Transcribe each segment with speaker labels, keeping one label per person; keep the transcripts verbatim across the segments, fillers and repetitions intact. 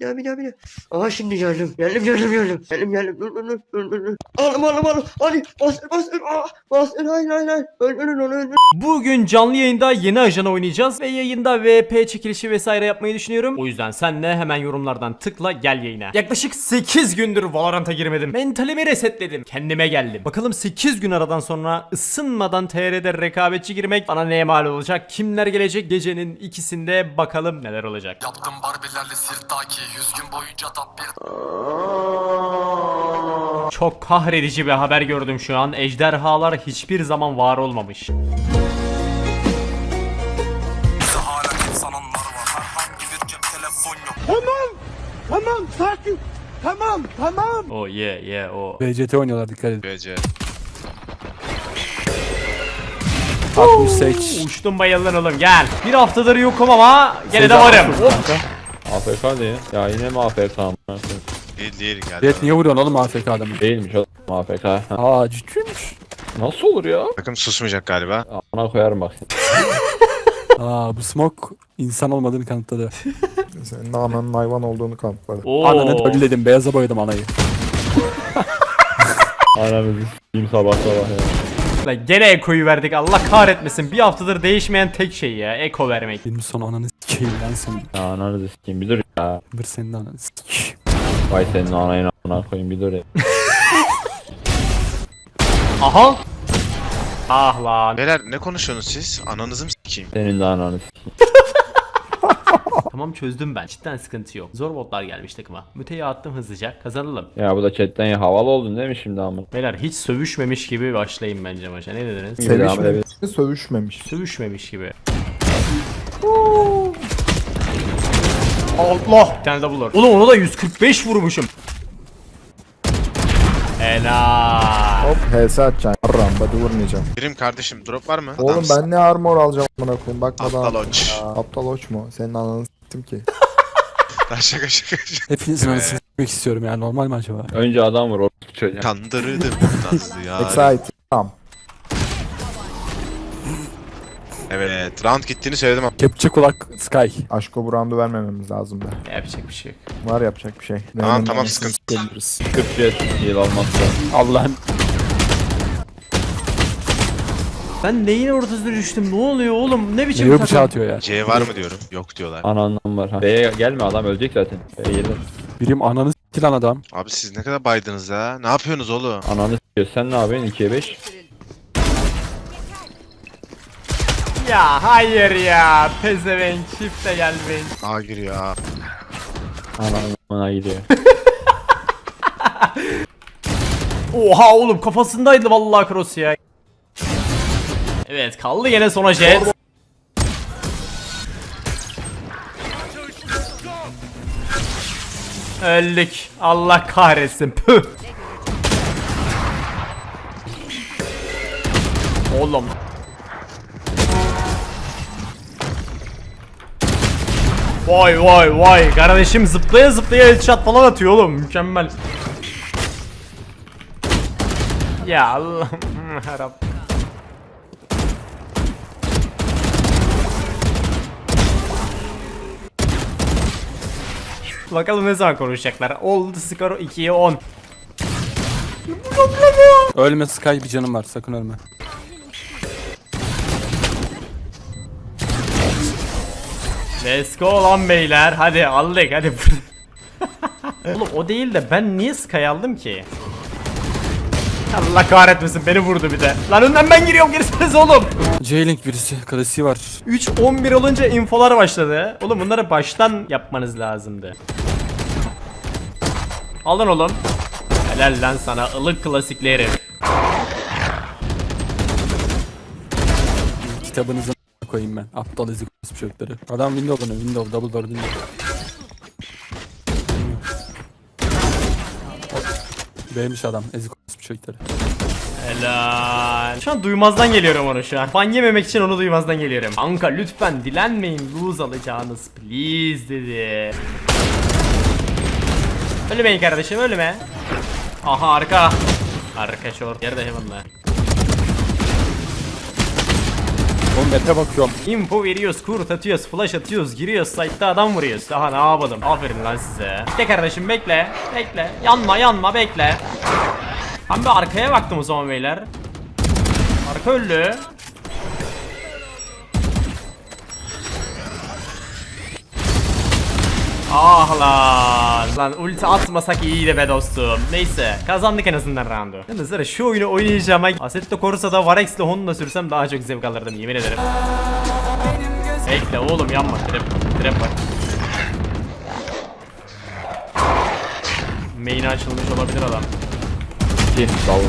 Speaker 1: daha bir daha bir daha. Aha şimdi geldim. Geldim geldim geldim. Geldim geldim. Dur dur dur dur dur. dur. Alım alım alım. Hadi bastır bastır. Aa, bastır hayır hayır hayır. Öldürün onu öldürün.
Speaker 2: Bugün canlı yayında yeni ajan oynayacağız ve yayında V P çekilişi vesaire yapmayı düşünüyorum. O yüzden sen de hemen yorumlardan tıkla gel yayına. Yaklaşık sekiz gündür Valorant'a girmedim. Mentalimi resetledim. Kendime geldim. Bakalım sekiz gün aradan sonra ısınmadan T R'de rekabetçi girmek bana neye mal olacak? Kimler gelecek? Gecenin ikisinde bakalım neler olacak.
Speaker 3: Yaptım barbilerle sirtaki yüz gün boyunca top bir.
Speaker 2: Çok kahredici bir haber gördüm şu an. Ejderhalar hiçbir zaman var olmamış.
Speaker 3: Hala insanlar var. Herhangi bir cep telefon yok.
Speaker 4: Tamam. Tamam sakin. Tamam tamam.
Speaker 2: Oh yeah yeah o.
Speaker 5: B C T oynuyorlar, dikkat edin.
Speaker 6: B C.
Speaker 5: altmış sekiz.
Speaker 2: Uçtum bayıldın oğlum gel. Bir haftadır yokum ama gene de varım. Hop.
Speaker 7: A F K değil. Ya yine mi A F K amına?
Speaker 6: Değil değil geldi.
Speaker 5: Evet, niye vuruyorsun oğlum A F K adamı?
Speaker 7: Değilmiş oğlum A F K. Ha.
Speaker 5: Aa, ciddiymiş.
Speaker 7: Nasıl olur ya?
Speaker 6: Takım susmayacak galiba.
Speaker 7: Amına koyarım bak.
Speaker 5: Aa, bu smoke insan olmadığını kanıtladı.
Speaker 8: Senin ananın hayvan olduğunu kanıtladı.
Speaker 2: Oo.
Speaker 5: Ananı ölledim, beyaza boyadım anayı.
Speaker 7: Anamızı s**eyim sabah sabah ya.
Speaker 2: Lan gene ekoyu verdik Allah kahretmesin. Bir haftadır değişmeyen tek şey ya eko vermek.
Speaker 5: Benim son ananı s**eyim lan senin.
Speaker 7: Ya ananızı s**eyim bir dur ya.
Speaker 5: Bir senin ananı s**eyim.
Speaker 7: Vay senin anayın amına koyayım bir dur ya.
Speaker 2: Aha. Ah lan.
Speaker 6: Beyler ne konuşuyorsunuz siz? Ananızı mı s**eyim?
Speaker 7: Senin de ananı s**eyim.
Speaker 2: Tamam çözdüm ben. Cidden sıkıntı yok. Zor botlar gelmiş takıma. Müteyi attım hızlıca. Kazanalım.
Speaker 7: Ya bu da chatten ya havalı oldun değil mi şimdi amına?
Speaker 2: Beyler hiç sövüşmemiş gibi başlayayım bence maça. Ne dediniz?
Speaker 8: Sevişmemiş, sövüşmemiş.
Speaker 2: Sövüşmemiş gibi. Allah! Bir tane double var. Oğlum ona da yüz kırk beş vurmuşum. Helal.
Speaker 8: Hop H S atacaksın. Rambada vurmayacağım.
Speaker 6: Birim kardeşim drop var mı?
Speaker 8: Oğlum
Speaker 6: Adamsın.
Speaker 8: ben ne armor alacağım amına koyayım bakmadan.
Speaker 6: Aptal oç.
Speaker 8: Aa, aptal oç mu? Senin ananı s**tim ki.
Speaker 6: Lan şaka şaka şaka.
Speaker 5: Hepinizin anasını s**mek istiyorum ya, normal mi acaba?
Speaker 7: Önce adam vur orospu çocuğa.
Speaker 6: Kandırdım Nazlı ya.
Speaker 8: Excite. Tamam.
Speaker 6: Evet round gittiğini söyledim ama.
Speaker 5: Kepçe kulak Sky.
Speaker 8: Aşko bu roundu vermememiz lazım da.
Speaker 2: Yapacak bir şey yok.
Speaker 8: Var yapacak bir şey.
Speaker 6: Tamam,
Speaker 8: Nenenin
Speaker 6: tamam,
Speaker 8: anasını
Speaker 6: sıkıntı.
Speaker 8: s**ebiliriz.
Speaker 7: Kıpçı yıl olmazsa.
Speaker 5: Allah'ım.
Speaker 2: Ben neyin ortasına düştüm? Ne oluyor oğlum? Ne biçim
Speaker 5: Meyve
Speaker 2: takım?
Speaker 5: bıçağı atıyor ya.
Speaker 6: C var mı diyorum. Yok diyorlar.
Speaker 7: Anandan var ha. B'ye gelme adam ölecek zaten. B'ye gelir.
Speaker 5: Birim ananı s**ti lan adam.
Speaker 6: Abi siz ne kadar baydınız ya? Ne yapıyorsunuz oğlum?
Speaker 7: Ananı s**iyor. Sen ne yapıyorsun? ikiye beş.
Speaker 2: Ya hayır ya. Pezevenk çifte gelmeyin.
Speaker 6: A giriyor ha.
Speaker 7: Ananı gidiyor.
Speaker 2: Oha oğlum kafasındaydı vallahi cross ya. Evet kaldı yine sona jet. Öldük. Allah kahretsin. Püh. Oğlum. Vay vay vay. Kardeşim zıplaya zıplaya headshot falan atıyor oğlum. Mükemmel. Ya Allah'ım yarabbim. Bakalım ne zaman konuşacaklar. Oldu skor ikiye on.
Speaker 5: Ölme Sky, bir canım var, sakın ölme.
Speaker 2: Let's go lan beyler. Hadi aldık hadi. Oğlum o değil de ben niye Sky aldım ki? Allah kahretmesin beni vurdu bir de. Lan önden ben giriyorum girseniz oğlum.
Speaker 5: J-Link birisi, klasiği var.
Speaker 2: üç on bir olunca infolar başladı. Oğlum bunları baştan yapmanız lazımdı. Alın oğlum. Helal lan sana ılık klasikleri.
Speaker 5: Kitabınızı koyayım ben. Aptal ezik orospu çocukları. Adam window dönüyor, window, double door window. Beğenmiş adam, ezik orospu çocukları.
Speaker 2: Helal. Şu an duymazdan geliyorum onu şu an. Fan yememek için onu duymazdan geliyorum. Kanka lütfen dilenmeyin lose alacağınız please dedi. Ölmeyin kardeşim ölme. Aha arka. Arka short yerde heaven'la.
Speaker 5: Oğlum Map'e bakıyorum.
Speaker 2: Info veriyoruz, kurt atıyoruz, flash atıyoruz, giriyoruz, site'da adam vuruyoruz. Daha ne yapalım? Aferin lan size. Bekle kardeşim bekle. Bekle. Yanma yanma bekle. Ben bir arkaya baktım o zaman beyler. Arka öldü. Ah lan. Lan ulti atmasak iyiydi be dostum. Neyse kazandık en azından roundu. Yalnız sıra şu oyunu oynayacağıma Assetto Corsa'da Varex'le Honda sürsem daha çok zevk alırdım yemin ederim. Bekle oğlum yanma, trap, trap var. Main'e açılmış olabilir adam.
Speaker 7: İki. Davul.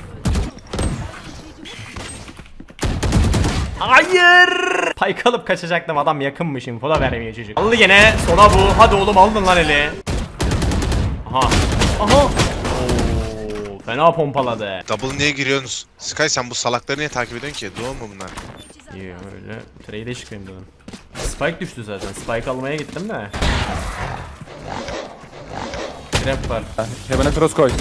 Speaker 2: Hayır! Payk alıp kaçacaktım, adam yakınmış, info da vermiyor çocuk. Aldı gene, sola bu, hadi oğlum aldın lan eli. Aha, aha. Oo, fena pompaladı.
Speaker 6: Double niye giriyorsunuz? Sky sen bu salakları niye takip ediyorsun ki? Doğum mu bunlar?
Speaker 2: İyi öyle, trade'e çıkayım dedim. Spike düştü zaten, Spike almaya gittim de. Trap var.
Speaker 5: Heaven'a cross koy.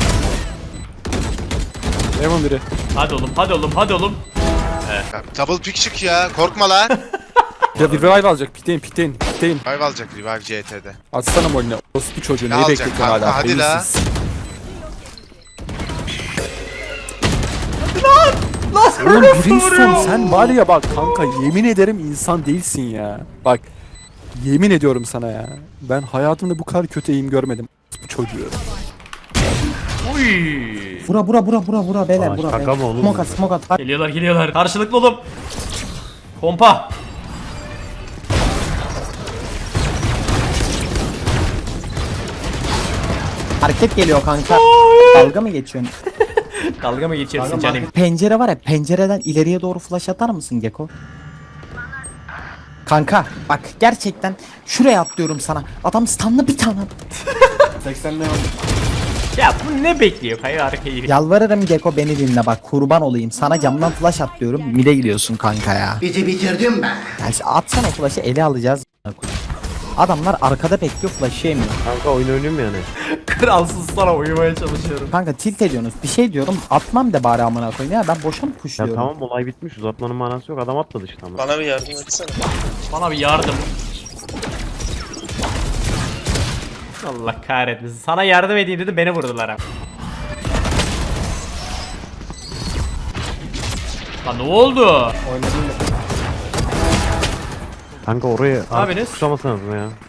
Speaker 5: Heaven biri.
Speaker 2: Hadi oğlum, hadi oğlum, hadi oğlum.
Speaker 6: Ya, double pick çık ya. Korkma lan.
Speaker 5: Ya bir revive alacak. Piteyim piteyim piteyim.
Speaker 6: Revive alacak Revive C T'de.
Speaker 5: Atsana molini. Orospu çocuğu
Speaker 6: Ne
Speaker 5: neyi
Speaker 6: alacak
Speaker 5: bekliyorsun
Speaker 6: kanka,
Speaker 5: hala?
Speaker 6: hadi la.
Speaker 5: Beyinsiz. Oğlum Brimstone sen var ya bak kanka yemin ederim insan değilsin ya. Bak yemin ediyorum sana ya. Ben hayatımda bu kadar kötü eğim görmedim. Bu çocuğu.
Speaker 2: Uy.
Speaker 9: Bura bura bura bura bura beyler bura beyler. Smoke at smoke at.
Speaker 2: Geliyorlar, geliyorlar. Karşılıklı oğlum. Pompa.
Speaker 9: Hareket geliyor kanka. Dalga mı geçiyorsun?
Speaker 2: Dalga mı geçiyorsun canım?
Speaker 9: Pencere var ya, pencereden ileriye doğru flash atar mısın Geko? Kanka bak gerçekten şuraya atlıyorum sana. Adam stunlı bir tane.
Speaker 2: Ya bu ne bekliyor? Kayı arkayı.
Speaker 9: Yalvarırım Geko beni dinle bak, kurban olayım. Sana camdan flash atlıyorum. Mide gidiyorsun kanka ya.
Speaker 4: Bizi bitirdim ben.
Speaker 9: Yani atsana flash'ı, ele alacağız. Adamlar arkada bekliyor, flash'ı yemiyor.
Speaker 7: Kanka oyun oynuyorum yani.
Speaker 2: Kralsız sana uyumaya çalışıyorum.
Speaker 9: Kanka tilt ediyorsunuz. Bir şey diyorum, atmam de bari amına koyayım ya. Ben boşa mı pushluyorum?
Speaker 7: Olay bitmiş, uzatmanın manası yok, adam atladı işte ama.
Speaker 3: Bana bir yardım etsene.
Speaker 2: Bana bir yardım. Allah kahretmesin. Sana yardım edeyim dedim, beni vurdular ha. Lan ne oldu?
Speaker 7: Kanka oraya
Speaker 2: Ne yapıyorsunuz?
Speaker 7: tutamasınız mı ya?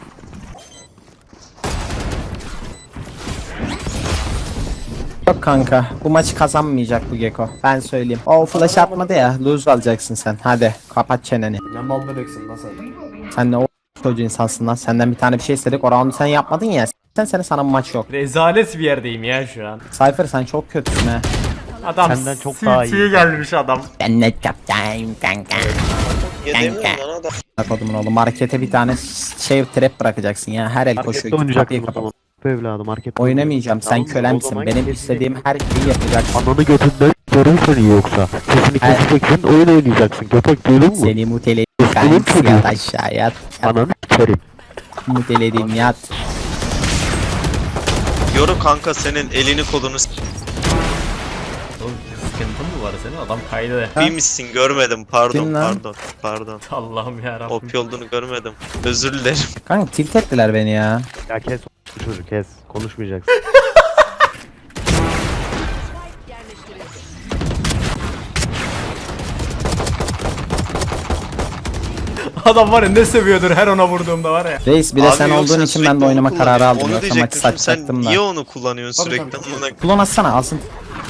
Speaker 9: Yok kanka, bu maçı kazanmayacak bu Geko. Ben söyleyeyim. O flash atmadı ya, lose alacaksın sen. Hadi kapat çeneni.
Speaker 8: Ne mal bebeksin lan sen.
Speaker 9: Sen ne o çocuğu insansın lan. Senden bir tane bir şey istedik, o roundu sen yapmadın ya. Sen seni sana bu maç yok.
Speaker 2: Rezalet bir yerdeyim ya şu an.
Speaker 9: Cypher sen çok kötüsün ha.
Speaker 2: Adam
Speaker 7: Senden çok daha iyi.
Speaker 2: City'ye gelmiş adam.
Speaker 9: Ben net yapacağım kanka.
Speaker 3: Yedemiyorum lan adam.
Speaker 9: Kodumun oğlum, markete bir tane şey trap bırakacaksın ya. Her el koşuyor. Git kapıyı kapat.
Speaker 7: Bu evladı market.
Speaker 9: Oynamayacağım, sen kölemsin. Benim istediğim her şeyi yapacaksın.
Speaker 7: Ananı götünden görür seni yoksa. Sesini
Speaker 9: Evet.
Speaker 7: keseceksin, oyun oynayacaksın. Köpek duydun mu?
Speaker 9: Seni muteledim kanka, yat aşağı yat.
Speaker 7: Ananı s**erim.
Speaker 9: Muteledim yat.
Speaker 3: Yoru kanka senin elini kolunu s-
Speaker 2: Oğlum sıkıntın mı var senin? Adam kaydı.
Speaker 3: iyi misin görmedim pardon
Speaker 9: Kim lan?
Speaker 3: pardon pardon.
Speaker 2: Allah'ım yarabbim.
Speaker 3: O P olduğunu görmedim. Özür dilerim.
Speaker 9: Kanka tilt ettiler beni ya.
Speaker 7: Ya kes o çocuk kes. Konuşmayacaksın.
Speaker 2: Adam var ya ne seviyordur her ona vurduğumda var ya.
Speaker 9: Reis bir de
Speaker 3: Abi
Speaker 9: sen
Speaker 3: yok,
Speaker 9: olduğun için ben
Speaker 3: sürekli
Speaker 9: de
Speaker 3: onu
Speaker 9: oynama kararı
Speaker 3: kullanıyorsun.
Speaker 9: aldım.
Speaker 3: Onu
Speaker 9: Yoksa maçı
Speaker 3: diyecektim şimdi sen
Speaker 9: satacaktım da.
Speaker 3: niye onu kullanıyorsun sürekli? Amına
Speaker 9: Klon atsana, alsın.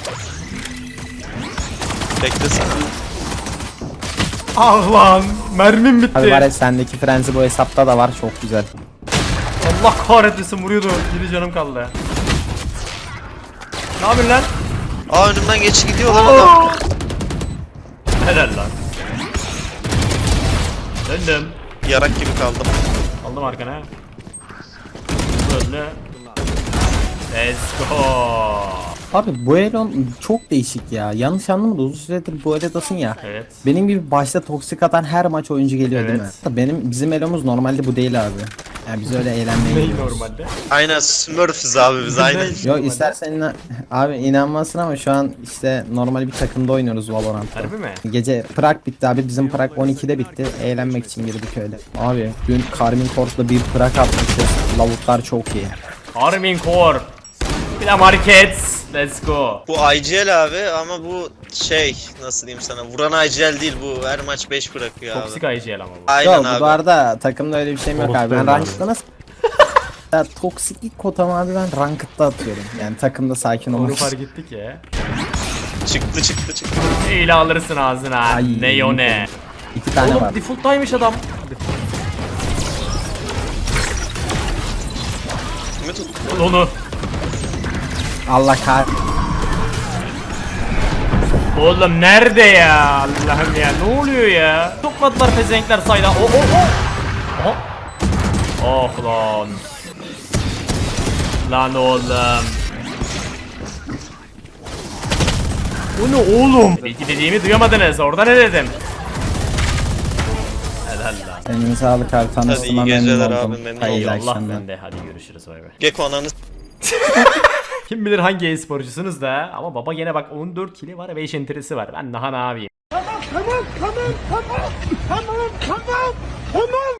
Speaker 3: beklesene.
Speaker 2: Ah lan mermim bitti.
Speaker 9: Abi var ya, sendeki frenzi bu hesapta da var, çok güzel.
Speaker 2: Allah kahretmesin vuruyordu. Yedi canım kaldı. Ne yapıyorsun lan?
Speaker 3: Aa önümden geç gidiyor lan adam.
Speaker 2: Helal lan. Döndüm.
Speaker 3: Yarak gibi kaldım.
Speaker 2: Aldım arkana. Böyle. Let's go.
Speaker 9: Abi bu Elon çok değişik ya. Yanlış anlamadı, uzun süredir bu Elon'dasın ya.
Speaker 2: Evet.
Speaker 9: Benim gibi başta toksik atan her maç oyuncu geliyor değil mi?
Speaker 2: Evet.
Speaker 9: Benim bizim Elon'umuz normalde bu değil abi. Yani biz öyle eğlenmeye
Speaker 2: Ney
Speaker 9: gidiyoruz.
Speaker 2: normalde?
Speaker 6: Aynen Smurfs abi biz aynen.
Speaker 9: Yok istersen inan- abi inanmasın ama şu an işte normal bir takımda oynuyoruz Valorant'ta.
Speaker 2: Harbi mi?
Speaker 9: Gece Prag bitti abi, bizim Prag on ikide bitti. Eğlenmek için girdik öyle. Abi dün Karmin Corp'la bir Prag atmışız. Lavuklar çok iyi.
Speaker 2: Armin Core. Bir de market. Let's go.
Speaker 6: Bu I G L abi ama bu şey nasıl diyeyim sana vuran I G L değil bu her maç beş bırakıyor abi.
Speaker 2: Toksik I G L ama bu.
Speaker 6: Aynen
Speaker 9: Yok
Speaker 6: abi.
Speaker 9: bu arada takımda öyle bir şeyim yok abi. Ben
Speaker 2: Orospu
Speaker 9: ranked'da nasıl... Ya toksiklik kotamı abi ben ranked'da atıyorum. Yani takımda sakin
Speaker 2: Onu
Speaker 9: olmak için.
Speaker 2: fark ettik ya.
Speaker 6: Çıktı çıktı çıktı.
Speaker 2: Eyle alırsın ağzına.
Speaker 9: Ay,
Speaker 2: Ne o ne?
Speaker 9: İki tane
Speaker 2: Oğlum
Speaker 9: var.
Speaker 2: default'taymış adam.
Speaker 6: Kimi tuttu?
Speaker 2: Al onu.
Speaker 9: Allah kah...
Speaker 2: Oğlum nerede ya? Allah'ım ya ne oluyor ya? Topladılar pezenkler sayda. Oh oh oh. Aha. Oh lan. Lan oğlum. Bu ne oğlum? Belki dediğimi duyamadınız. Orada ne dedim? Helal lan.
Speaker 9: Senin sağlık abi, tanıştığıma
Speaker 6: iyi
Speaker 9: memnun
Speaker 6: geceler
Speaker 9: oldum.
Speaker 6: abi, memnun
Speaker 9: Hayırlı
Speaker 2: Allah
Speaker 9: akşamlar.
Speaker 2: bende. Hadi görüşürüz bay bay.
Speaker 6: Gecko ananı
Speaker 2: Kim bilir hangi e-sporcusunuz da ama baba gene bak on dört kili var, beş enterisi var. Ben daha ne yapayım?
Speaker 4: Tamam tamam tamam tamam tamam tamam tamam.